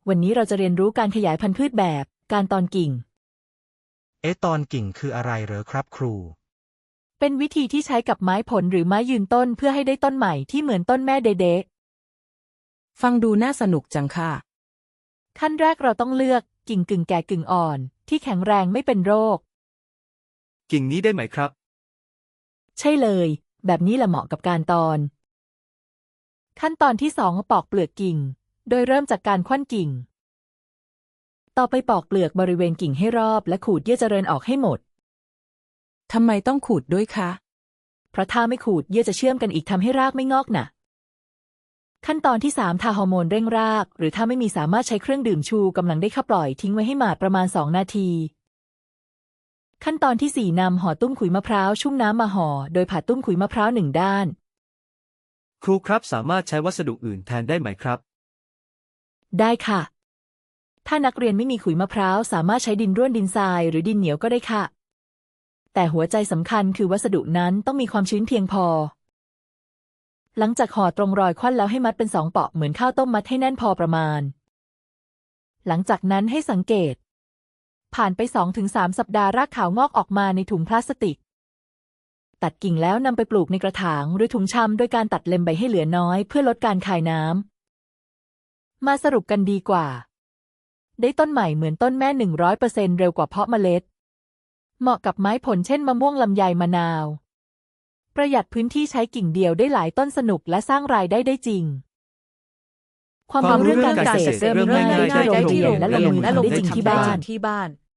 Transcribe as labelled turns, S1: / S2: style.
S1: วันนี้เราจะเรียนรู้การขยายพันธุ์พืชแบบการตอนกิ่ง
S2: ตอนกิ่งคืออะไรเหรอครับครู
S1: เป็นวิธีที่ใช้กับไม้ผลหรือไม้ยืนต้นเพื่อให้ได้ต้นใหม่ที่เหมือนต้นแม่เด๊ะ
S3: ฟังดูน่าสนุกจังค่ะ
S1: ขั้นแรกเราต้องเลือกกิ่งกึ่งแก่กึ่งอ่อนที่แข็งแรงไม่เป็นโรค
S4: กิ่งนี้ได้ไหมครับ
S1: ใช่เลยแบบนี้แหละเหมาะกับการตอนขั้นตอนที่2ปอกเปลือกกิ่งโดยเริ่มจากการคว้านกิ่งต่อไปปอกเปลือกบริเวณกิ่งให้รอบและขูดเยื่อเจริญออกให้หมด
S3: ทำไมต้องขูดด้วยคะ
S1: เพราะถ้าไม่ขูดเยื่อจะเชื่อมกันอีกทำให้รากไม่งอกน่ะขั้นตอนที่3ทาฮอร์โมนเร่งรากหรือถ้าไม่มีสามารถใช้เครื่องดื่มชูกำลังได้เข้าปล่อยทิ้งไว้ให้หมาดประมาณ2นาทีขั้นตอนที่4นำห่อตุ้มขุยมะพร้าวชุ่มน้ำมาห่อโดยผ่าตุ้มขุยมะพร้าว1ด้าน
S4: ครูครับสามารถใช้วัสดุอื่นแทนได้ไหมครับ
S1: ได้ค่ะถ้านักเรียนไม่มีขุยมะพร้าวสามารถใช้ดินร่วนดินทรายหรือดินเหนียวก็ได้ค่ะแต่หัวใจสำคัญคือวัสดุนั้นต้องมีความชื้นเพียงพอหลังจากห่อตรงรอยควันแล้วให้มัดเป็น2 เปาะเหมือนข้าวต้มมัดให้แน่นพอประมาณหลังจากนั้นให้สังเกตผ่านไป 2-3 สัปดาห์รากขาวงอกออกมาในถุงพลาสติกตัดกิ่งแล้วนำไปปลูกในกระถางหรือถุงชำโดยการตัดเล็มใบให้เหลือน้อยเพื่อลดการคายน้ำมาสรุปกันดีกว่าได้ต้นใหม่เหมือนต้นแม่ 100% เร็วกว่าเพาะเมล็ดเหมาะกับไม้ผลเช่นมะม่วงลำไยมะนาวประหยัดพื้นที่ใช้กิ่งเดียวได้หลายต้นสนุกและสร้างรายได้จริงความรู้เรื่องการเกษตรเริ่มง่ายๆได้ที่โรงเรียนและลงมือทำได้จริงที่บ้าน